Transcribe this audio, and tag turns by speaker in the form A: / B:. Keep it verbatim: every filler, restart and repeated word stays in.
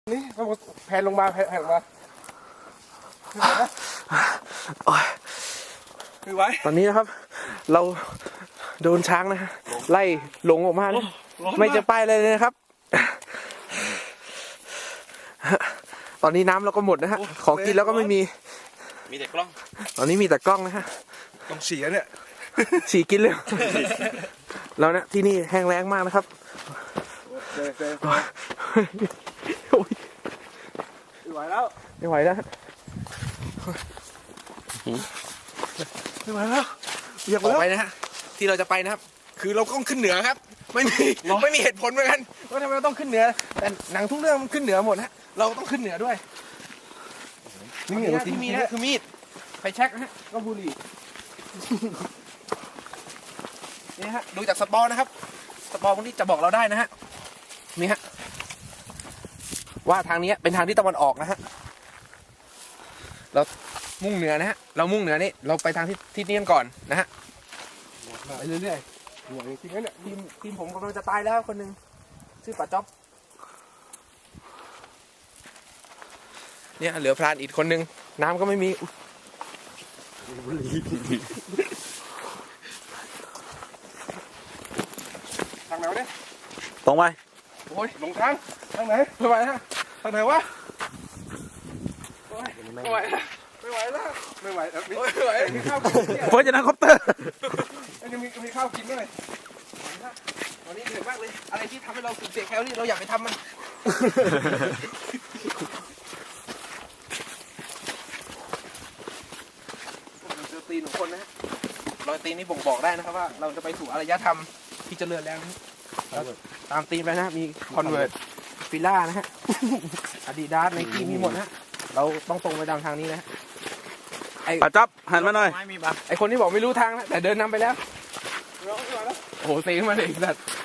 A: นี่แผ่นลงมาแผ่นลงมาคือไว้
B: ตอนนี้นะครับ เราโดนช้างนะฮะไล่หลงออกมาไม่จะไปเลยนะครับ ตอนนี้น้ำเราก็หมดนะฮะของกินแล้วก็ไม่มี
C: มีแต่กล้อง
B: ตอนนี้มีแต่กล้องนะฮะ
A: ต้องเสียเนี่ย
B: ฉี่กินเลยแล้วนะที่นี่แห้งแล้งมากนะครับ
A: ไม่ไหวแล้ว
B: ไม่ไหวแล้ว
A: ไม่ไหวแล้วอยาก
B: ออกไปนะฮะที่เราจะไปนะครับคือเราต้องขึ้นเหนือครับไม่มีไม่มีเหตุผลเหมือนกันว่าทำไมเราต้องขึ้นเหนือแต่หนังทุกเรื่องมันขึ้นเหนือหมดฮะเราต้องขึ้นเหนือด้วยนี่ที่มีนะคือมีดไฟแช็กนะฮะก็บุหรี่นี่ฮะดูจากสปอร์นะครับสปอร์พวกนี้จะบอกเราได้นะฮะนี่ฮะว่าทางนี้เป็นทางที่ตะวันออกนะฮะเรามุ่งเหนือนะฮะเรามุ่งเหนือนี่เราไปทางที่ที่นี้กันก่อนนะฮะ
A: ไปเรื่อยๆหัวจริงๆเนี่ย
B: ทีมทีมผมกำลังจะตายแล้วคนหนึ่งชื่อป๋าจ๊อบเนี่ยเหลือพรานอีกคนหนึ่งน้ำก็ไม่มี
A: ทางไหนวะเนี่ย
C: ตรงไป
A: โอ้ยลงทางทางไหนไม่ไหวฮะทางไหนวะไม่ไหวไม่ไหวแล้วไม่ไหวแล้วไม่ไหวมีข้าวกินเนี่ย
C: เฟิร์สจะนั่งคอปเตอร์
A: อันนี้มีมีข้าวกินด้วย
B: ตอนนี้เหนื่อยมากเลยอะไรที่ทำให้เราสูญเสียแคลอรี่เราอยากไปทำมันเจอตีนของคนนะฮะรอยตีนนี่บ่งบอกได้นะครับว่าเราจะไปสู่อารยธรรมที่เจริญแล้วนะตามตีนไปนะมีคอนเวิร์ตฟิล่านะฮะอาดิดาสไนกี้มีหมดนะเราต้องตรงไปตามทางนี้นะ
C: ไอ้ป๋าจ๊อบหันมาหน่อย
B: ไอคนที่บอกไม่รู้ทางนะแต่เดินนำไปแล้วโอ้โหเซ็งมาเลยสัตว์